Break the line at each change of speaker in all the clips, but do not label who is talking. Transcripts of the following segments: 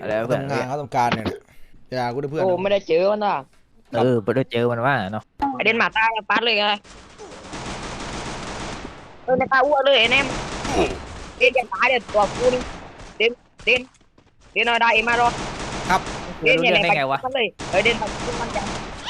อะไรเพื่อน
ทำงานเขาทำการเนี่ยอย่ากูได้เพื่อน
โอ้ไม่ได้เจอมันว่ะ
ไปได้เจอมันว่าเนาะ
ไอเดนมาตาปัดเลยไงในตาอ้วนเลยไอ้แนมเด็นจะตายเดี๋ยวตัวกูนี่เด่นเด่นเด่นเอาได้มารอ
ครับ
เด่น
รู้
เนี่ย
เรื่อง
ไหน
ได้
ไป
ไงวะ
มันเลยเด่นมันจะ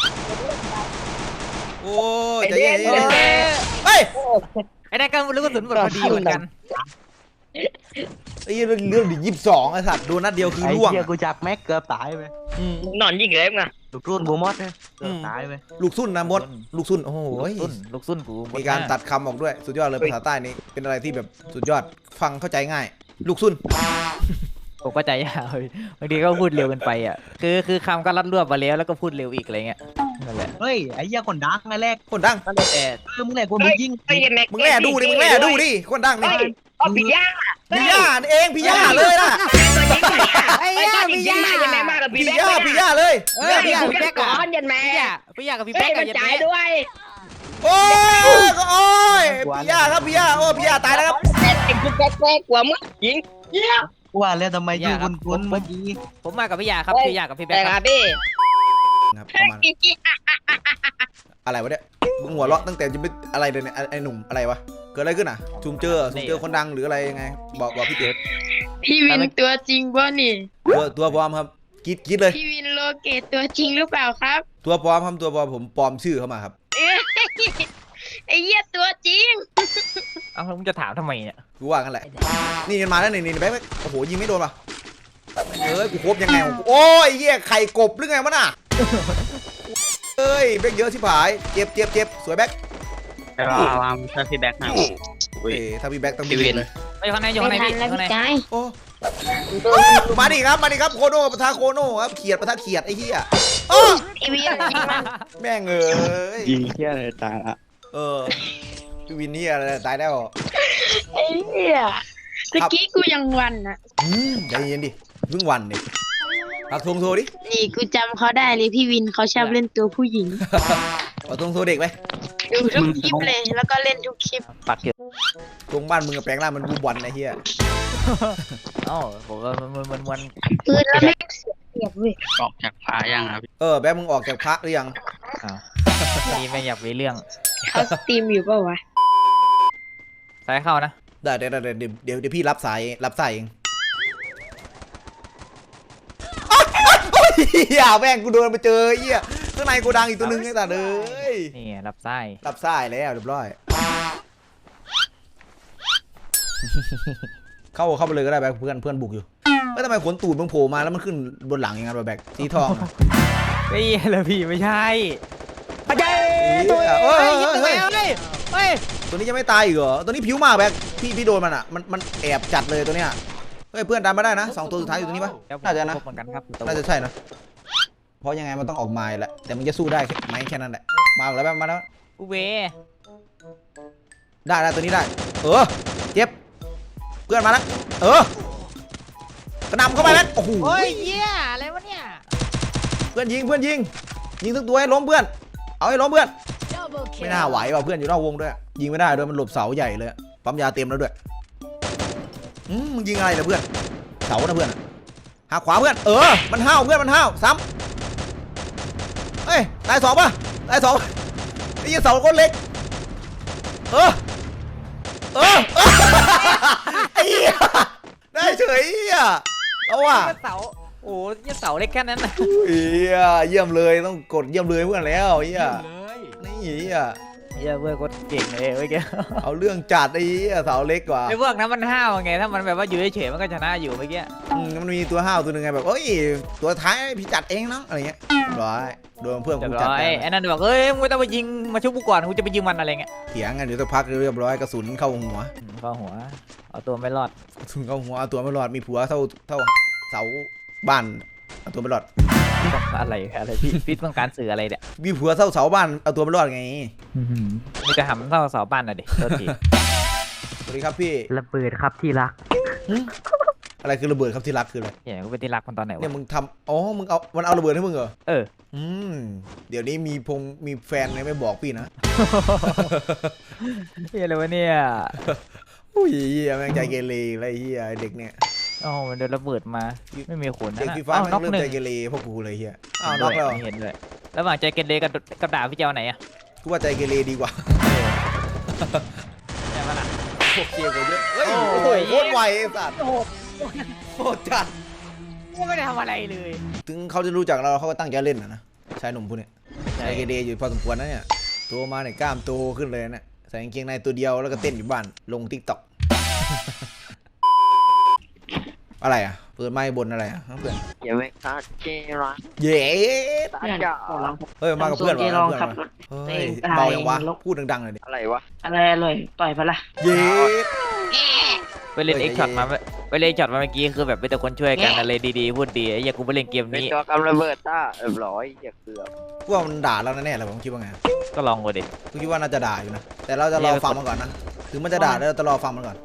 โอ้ยใจเย็น
เฮ้ย
เฮ้ย
ไอ้นั่นก็รู้กระสุนหมดพอดีเหมือนกัน
ไอ้เรื่องดิ22ไอ้สัตว์โดนนัดเดียวคือ
ไอ้
ล่วง
เหี้ยกูจับแม็กเกือบตายไป
อืม
นอนยิงเลยมั้ง
ลูกรุ่นบูมอสเนี่ยเกือบตายไป
ลูกซุ่นนะมดลูกซุ่นโอ้โห
ลูกซุ่นกู
มีการตัดคำออกด้วยสุดยอดเลยภาษาใต้นี้เป็นอะไรที่แบบสุดยอดฟังเข้าใจง่าย ลูกซุ่น
ผมก็ใจยาวบางทีก็พูดเร็วเกินไปอ่ะคือคำก็รัดรวบมาแล้วก็พูดเร็วอีกอะไรเงี้ยนั่นแหละ
เฮ้ยไอ้เหี้ยคนดังไงแรก
คนดัง
นั่นแหละแต่
มึงแหละกูมึงยิง
ไอ้แม็ก
มึงแล่ดูดิมึงแล่ดูดิคนดังนี่
เอาพี่ย่า
พี่ย่าเองพี่ย่าเลยนะ
ไอ้ย่าพี่ย่าจะแม่มากกับพี่
พี่
แบ๊ก
ย่าเลย
พี่ย่าพี่แบ๊กก่อนยันแม่
พี่อยากกับพี่
เฮ้
แป๊
ย
ก
มั
กับ
น
ยัน
จ่า
แป๊
ย
ก
ด้วย
โอ้ยโอ้ยพี่ย่าครับพี่ย่าโอ้พี่ย่าตายแล้วครับ
ไอ้กูแบ๊กกว่ามึงยิงเยี่ย
กูว่าแล้วทำไมยิงคุณเมื่อกี้
ผมมากับพี่อยากครับพี่อยากกับพี่แป๊
แต่
ก
ค
ค
รั
รั
บบ พี่
ครับประมาณอะไรวะเนี่ยมึงหัวเราะตั้งแต่จะไม่อะไรเลยเนี่ยไอ้หนุ่มอะไรวะเกิดอะไรขึ้นอ่ะซูมเจอคนดังหรืออะไรยังไงบอกพี่เก๋
พี่วินตัวจริงป่ะนี่
ตัวปลอมครับคิดเลย
พี่วินโลเกตตัวจริงหรือเปล่าครับ
ตัวปลอมครับตัวปลอมผมปลอมชื่อเข้ามาครับ
เอ้ยไอ้เหี้ยตัวจริง
เอ้ามึงจะถามทำไมเนี่ย
กูว่ากันแหละนี่มันมาแล้วนี่แบ๊กโอ้โหยิงไม่โดนป่ะกูครบยังไงโอ้ยเหี้ยไข่กบหรือไงวะน่ะเอ้ยแบ๊กเยอะชิบหายเจ็บสวยแบ๊ก
วางถ้าพี่แบ็คนะ
ถ้าพี่แบ๊กต้องบินเลย
ไม่ข้างในอยู่
ไม่
ข้างใน
ทัน
พี่
แล้ว
ข้างใน
พี่กาย
โอ้มาดิครับโคโน่ปะทะโคโน่ครับเขียดปะทะเขียดไอ้เหี้ย
พี่วินจริงมัน
แม่งเอ้ย
ยิงเที่ยอะไรตายละ
พี่วินนี่อะไรตายแล้ว
ไอ้เหี้ยตะกี้กูยังวันอะ
ใจเย็นดิเพิ่งวันดิปักธงโทรดิ
นี่กูจำเขาได้เลยพี่วินเขาชอบเล่นตัวผู้หญิง
ปักธงโทรเด็กไหม
ดูทุกคลิปเลยแล้วก็เล่นทุกคลิป
ปักอยู่
ตรงบ้านมึงกับแปลงร่างมันบูบอลไอ้เหี้ย
เอ้าผมว่ามัน
ปืนแล้วไม่เสียบเว้ย
ออกจากฟ้ายังครับ
แบ๊กมึงออกจากพระหรือยัง
นี่ไม่อยากมีเรื่อง
เขาสตรีมอยู่เปล่าวะ
สายเข้านะ
ได้เดี๋ยวพี่รับสายเองเหี้ยแม่งกูโดนไปเจอเหี้ยข้างในกูดังอีกตัวนึงไอ้สัตว์เอ้ย
นี่รับไส้
รับสายแล้วเรียบร้อยเข้าไปเลยก็ได้แบ๊กเพื่อนบุกอยู่ทำไมขนตูดมึงโผล่มาแล้วมันขึ้นบนหลังอย่างนั้นวะแบ๊กสีทอง
ไม่เลยพี่ไม่ใช่ไปเจ
เฮ้ย
ยิงตัวเฮ้ย
ตัวนี้จะไม่ตายอีกเหรอตัวนี้ผิวมากแบ๊กพี่โดนมันอ่ะมันแอบจัดเลยตัวเนี้ยเฮ้ยเพื่อนดันมาได้นะ2ตัวสุดท้ายอยู่ตรงนี้ปะน่าจะนะ
เหมือนกันครับ
น่าจะใช่นะเพราะยังไงมันต้องออกมาแหละแต่มึงจะสู้ได้ไหมแค่นั้นแหละมาแล้วมาแล้ว
กูเว
ได้ตัวนี้ได้เจ็บเพื่อนมาแล้วกระนำเข้าไปแล้วโอ้โห
โอ้ยเหี้ยอะไรวะเนี่ย
เพื่อนยิงทุกตัวให้ล้มเพื่อนเอาให้ล้มเพื่อนไม่น่าไหวว่ะเพื่อนอยู่นอกวงด้วยยิงไม่ได้ด้วยมันหลบเสาใหญ่เลยปั๊มยาเต็มแล้วด้วยมึงยิงอะไรนะเพื่อนเสานะเพื่อนหักขวาเพื่อนมันห้าวเพื่อนมันห้าวซ้ำเฮ้ยตาย2ป่ะตาย2ไอ้ยี่เสาก้นเล็กไอ้เหี้ยได้เฉยอ่ะเอาว่ะ
เสาโอ้ยเสาเล็กแค่นั้นนะ
เยี่ยมเลยต้องกดเยี่ยมเลยเพื่อนแล้วเหี้ยนี่เหี้ย
เหี้ยเพื่อนก็เก่งเลยเมื่อกี้
เอาเรื่องจัดไอ้เหี้ยเสาเล็กกว่า
ไอ้พวกนั้นมันห้าวไงถ้ามันแบบว่าอยู่เฉยๆมันก็ชนะอยู่เมื่อกี้
มันมีตัวห้าวตัวหนึ่งไงแบบตัวท้ายพี่จัดเองเนาะอะไรเงี้ยร้อยโดนเพื่อน
เรีย
กู
บ
จัด
ร้อยไอ้นั่นบอกเอ้ยมึงไม่ต้องไปยิงมาชุบกูก่อนกูจะไปยิงมันอะไรเงี้ย
เถียงกันเดี๋ยวสักพักเรียบร้อยกระสุนเข้าหัว
เข้าหัวเอาตัวไม่รอด
กระสุนเข้าหัวเอาตัวไม่รอดมีผัวเท่าเสาบ้านเอาตัวไม่รอด
อะไรพี่ต้องการสื่ออะไรเนี่ย
มีผัวเท่าเสาบ้านเอาตัวไม่รอดไง
มันจะหำเท่าเสาบ้านน่ะดิโทษที
สวัสดีครับพี่
ระเบิดครับที่รัก
อะไรคือระเบิดครับที่รักคืออะไร
เหี้ยกูเป็นที่รักมันตอนไหน
เนี่ยว
ะ
มึงทำมึงมันเอาระเบิดให้มึงเหรอ
เ
เดี๋ยวนี้มีแฟนเลยไม่บอกพี่นะ
เฮียอะไรวะเนี่ย
อุ้ยเหี้ยแม่งใจเกเรอะไรเหี้ยเด็กเนี่ย
อ๋อมันโดนระเบิดมาไม่มีขน
เด็ก
นะ
ฟีฟ้า
อ้าว
แม่
น็อง ก
เริ่ม
หนึ่
ใจ
ง
เกเรพวกกูเลยเฮียอ้า
อ้าว ว
น็อกแล้ว
เห็นเลยระหว่างใจเกเรกับด่าพี่เจ้าไหนอะ
กูว่าใจเกเรดีกว่า
ใช่ปะล่ะ
พวกเชียร์กูเยอะเฮ้ย
โอ้
โอ้โห
ย
โคตรไวไอ้สัตว์โคตรจัด
กูไม่ได้ทำอะไรเลย
ถึงเขาจะรู้จักเราเขาก็ตั้งใจเล่นนะชายหนุ่มพวกเนี้ย
ใช่
ใจเกเรอยู่พอสมควรนะเนี่ยโตมาเนี่ยกล้ามโตขึ้นเลยนะใส่กางเกงในตัวเดียวแล้วก็เต้นอยู่บ้านลงทิกตอก อะไรอ่ะเปิดไมค์บนอะไรอ่ะเพื่อน
อย่าไม่คาดเจรัก
เย้
ตา
เพื่อน
จ๋า
ขอลอง
เฮ้ยมากับเพื่อน
เจ
วะ
ลอง
เพื่อน
ขับ
วะ
รถ
เฮ้ย
เอง
เบาอย่างวะ
ลง
พูดดังๆเลยดิ
อะไรวะ
อะไรเลยต่อยปะล่ะ
เย้
ไปเล่น
เฮ้
เอ็
ย
กช็อตมาไปเล่นช็อตมาเมื่อกี้คือแบบเป็นแต่คนช่วยกัน
แง่
อะไรดีๆพูดดีไอ้เหี้ยกูไปเล่นเกม
เป็น
นี้
ตัวกำระเบิดต้าเรียบร้อยอย่าเกือบ
กูว่ามันด่าเราแน่ๆเลยผมคิดว่าไง
ก็ลองกูดิ
กูคิดว่าน่าจะด่าอยู่นะแต่เราจะรอฟังมันก่อนนะถึงมันจะด่าแล้วเราจะรอฟังมันก่อน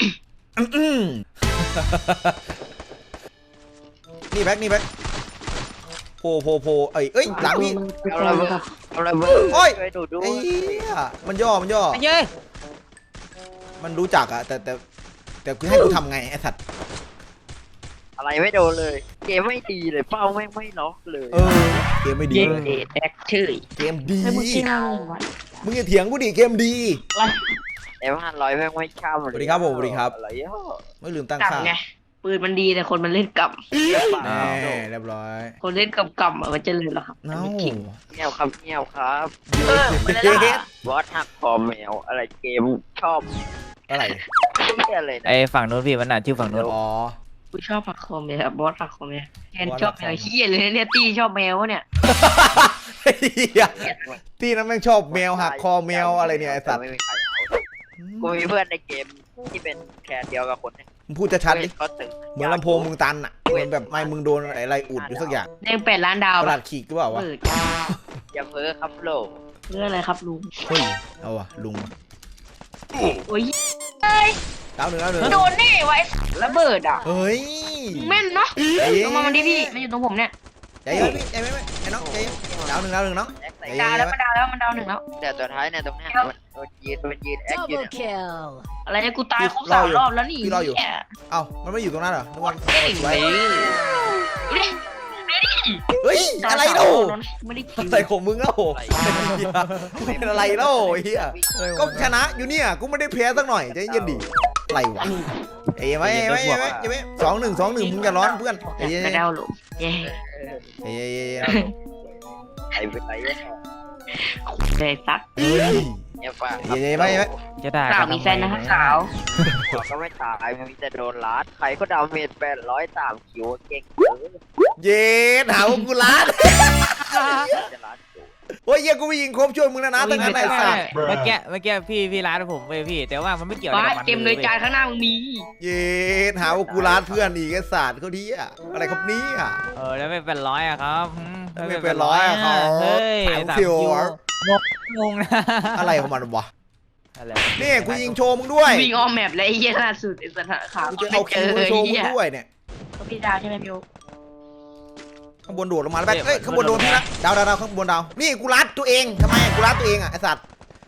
นี่แบ็คนี่แบ็คโพเอ้ยหลังพี่
กำระเบิดกำระเบิด
โอ้ย
ช่วยดูด้ว
ไอ้
ย
เหี้ยมันย่อ
ไอ้เย้ย
มันรู้จักอะแต่กูให้กูทำไงไอ้สัตว์
อะไรไม่โดนเลย เกมไม่ดีเลยเป้าไม่ล็อกเลย
เออเกมไม่ดี
เย็นเดทแอคชื่อ
เกมดี
ให้มึงกินอะไรวะ
มึงอย่าเถียงกูดิเกมดี
แต่500แม่งไม่ช่ำเลย
สวัสดีครับผมสวัสดีครับ
อะไรอ่ะ
ไม่ลืมตั้ง
กลับ
ค่า
ไงปืนมันดีแต่คนมันเล่นกลับ
แน่เรียบร้อย
คนเล่นกลับมันจะเลยหรอครับ
เน้า
มันขิง
เงียบครับเงียบครับ
มันเลยล่ะ
บอสหักคอแมวอะไรเกมชอบ
อะไร
เหี้ยอะไรนะ
ไอ้ฝั่งนู้นพี่มันน่ะชื่อฝั่งนู้น
อ๋อ
กูชอบผักคอมเลยครับบอสผักคอมเนี่ยแทน
บอส
ชอบ
ผักคอม
แมวเฮียเลยเนี่ยตี้ชอบแมววะเนี่ย
เหี้ยที่นั้นแม่งชอบแมวหักคอแมวอะไรเนี่ยไอ้สัตว์
ไม่มีใครเอากูมีเพื่อนในเกมที่เป็นแคนเดียวกับคนเนี่ย
มึงพูดชัดๆดิ
เขาตึง
เหมือนลำโพงมึงตันอะเหมือนแบบไม่มึงโดนอะไรอุดอยู่สักอย่าง
เด้ง8 ล้านดาว
กระดาษขีดหรือเปล่าวะ
เปิด
อย่าเพ้อครับโลก
เรื่องอะไรครับลุง
เฮ้ยเอาวะลุงวะ
โอ้ย
ดาวหนึ่ง
โดนนี่ไว้ระเบิดอ่ะ
เฮ้ย
แม่นเนาะ
ใจเย็น
ลงมามันดิพี่มันอยู่ตรงผมเนี่ย
ใจเย็นพี่ใจเย็นไอ้น้องใจเย็นดาวหนึ่งน้อง
แอคใส่
ใจเย็
ดาวแล้วมันดาวแล้วมันดาวหนึ่งแล้ว
เดี๋ยวตัวท้ายเนี่ยตรงเนี้ยมันยืนแอคอยู่เนี่ย
อะไรเนี่ยกูตายครบ3 รอบแล้วนี่
เอ้ามันไม่อยู่ตรงนั้นเหรอนึกว่า
เก่ง
ไว้
ไปดิ
เฮ้ยอะไรเล่า
ไม่ได้คิว
อะไรของมึงเล่าเป็นอะไรเล่าไอ้เหี้ยก็ชนะอยู่เนี่ยกูไม่ได้แพ้สักหน่อยใจเย็นดิอะไรวะเอ้ยไม่2-1มึงอย่าร้อนเพื่อนใจเย็น
กระเดาหลงเย้
ใจเย็น
ไอ้เป็นไรเนี่ย
เลยซัก
เฮ้ย
เนี่ยป่ะ
เย็นไม่
จะด่า
สาว
กัน
มี
ทำ
แฟนนะ
ไม
ครับสาว
ก็ไม่ตายมันมีแต่โดนลัดใครก็ดาเมจ803คิวเก่ง
เย็นหาว่ากูรัด
จะลัดอยู่
โอ้ยเหี้ยกูไปยิงครบช่วยมึงนะตั้งนั้นไอ้สัตว์
เมื่อกี้พี่ร้านผมเว้ยพี่ แต่ว่ามันไม่เกี่ยวอะไร
บ้า
กับมัน
เกมเลยจานข้างหน้ามึงมี
เย็นหาว่ากูรัดเพื่อนอีกไอ้สัตว์เขาดีอะอะไรครับนี้อะ
แล้วไม่เป็นร้อยอะครับ
ไม่เป็นร้อยอะครับ
เฮ้ย
สาม
3
คิ
คิ
ว
วงงนะ
อะไรของมันวะ
อะไร
นี่กูยิงโชว์มึงด้วย
วิ่งอ้อมแมปเลยไอ้เหี้ยล่าสุดไอ้สัตว์ขา
กูจะเอาคิวมาโชว์มึงด้วยเนี่ย
พี่ดาวใช่ไหมพี่โอ๊ค
ข้างบนโดดลงมาแล้วแบ๊กเอ้ยข้างบนโดนพี่ละดาวข้างบนดาวนี่กูรัดตัวเองทำไมกูรัดตัวเองอะไอ้สัตว์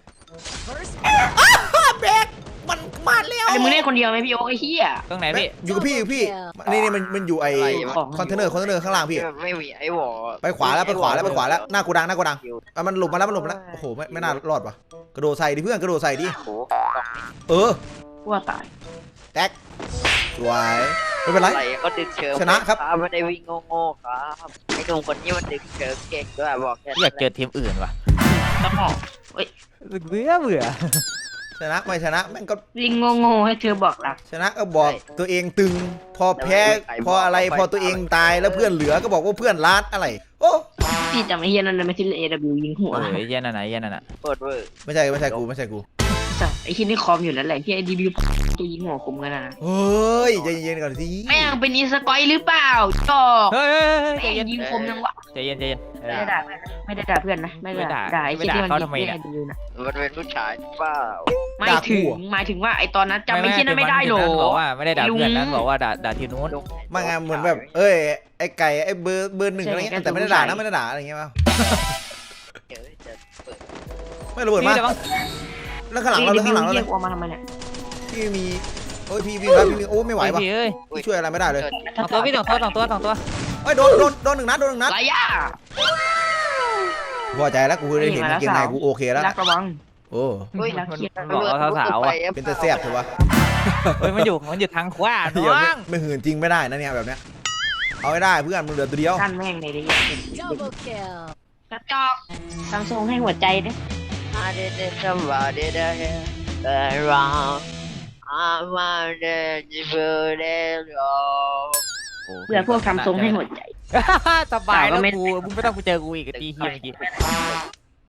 แบ๊กมันมาแล้ว
ไอ้มึงเล่นคนเดียวไหมพี่โอ๊คไอ้เหี้ย
ตรงไหน
แบ๊ก
พี่
อยู่กับพี่นี่มันอยู่ไอ้คอนเทนเนอร์ข้างล่างพี่
ไม่มีไอ้หวอ
ไปขวาแล้วหน้ากูดังมันหลบมาแล้วโอ้โหไม่น่ารอดว่ะกระโดดใส่ดิเพื่อนกระโดดใส่ดิ
โอ้
เออ
กลัวตาย
แท็กสวยไม่เป็นไร
อะไรก็ดึงเชิง
ชนะครับ
ไม่ได้วิ่งโง่ๆครับไอ้หนุ่มคนนี้มันดึงเชิงเก่งด้วยบอกแค่
อยากเจอทีมอื่นว่ะ
กระหม่อม
เบื่อ
ชนะไม่ชนะแม่งก็
วิ่งโง่ๆให้เธอบอกรัก
ชนะก็บอกตัวเองตึง พอแพ้พออะไรพอตัวเองตายแล้วเพื่อนเหลือก็บอกว่าเพื่อนรัดอะไรโอ้
พี่จำไอ้เหี้ยนั่นได้ไหมที่เล่น AW ยิงหัว
เย็นอันไหนเย็นอันน่ะ
เปิดเวอร์
ไม่ใช่กู
สัตว์ไอ้ที่นี่คอมอยู่แล้วแหละที่ไอ้ DW ตัวยิงหัวคมกันนะ
เฮ้ยใจเย็นๆก่อนสิ
แม่งเป็นอีสกอยหรือเปล่าจอก
เฮ้ย
แม่งยิงคมยังวะ
ใจเย็น
ไม่ได้ด่าเพื่อนนะไม่ได้ด่าเพื่อนนะไม่ได้ด่าไอ้ที่มันยิงเล่น AW นะ
มันเป็นผู้ชายเปล่า
หมายถึงว่าไอ้ตอนนั้นจำไอ้ที่นั้นไม่ได้หรอ
บอกว่าไม่ได้ด่าเพื่อนนั้นบอกว่าด่าทีนู้น
มางานเหมือนแบบเอ้ยไอ้ไก่ไอ้เบอร์หนึ่งอะไรเงี้ยแต่ไม่ได้ด่านะไม่ได้ด่าอะไรเงี้ยป่ะ
เดี๋ยวจะเปิด
ไม่ระเบิด
พี่
มา
เดี๋ยว
แล้วข้างหลังเรา
เรี
ข้างหลังเรา
ยกออกมาทำไมเนี่ย
ที่มีโอ้ยพี่วิ่งแล้วพี่วิ่งโอ้ไม่ไหวว่ะ
พี่เอ้ย
พี่ช่วยอะไรไม่ได้เลย
สองตัวพี่สองตัว
เฮ้ยโดนหนึ่งนัดโดนหนึ่งนัด
ไรย่า
พอใจแล้วกูได้เห็นกางเกงในกูโอเคแล้ว
รักระวัง
โอ้
เฮ้ย
มันบอกว่าสาวๆอ่ะ
เป็นแต่แซ่บใช่ปะ
เฮ้ยมันอยู่ทางขวา
เดี๋ยว
น้อง
ไม่หื่นจริงไม่ได้นะเนี่ยแบบเนี้ยเอาให้ได้เพื่อนมึงเหลือตัวเดียว
ท่านแม่งในนี้
Double kill
กระจอกซัมซุงให้หัวใจด้วย
I didn't somebody there around I'm on the different road
เพื่อพวกซัมซุงให้หัวใจ
สบายแล้ว
ก็ไม่
กูมึงไม่ต้องกูเจอกูอีกตีเฮียเมื่อกี้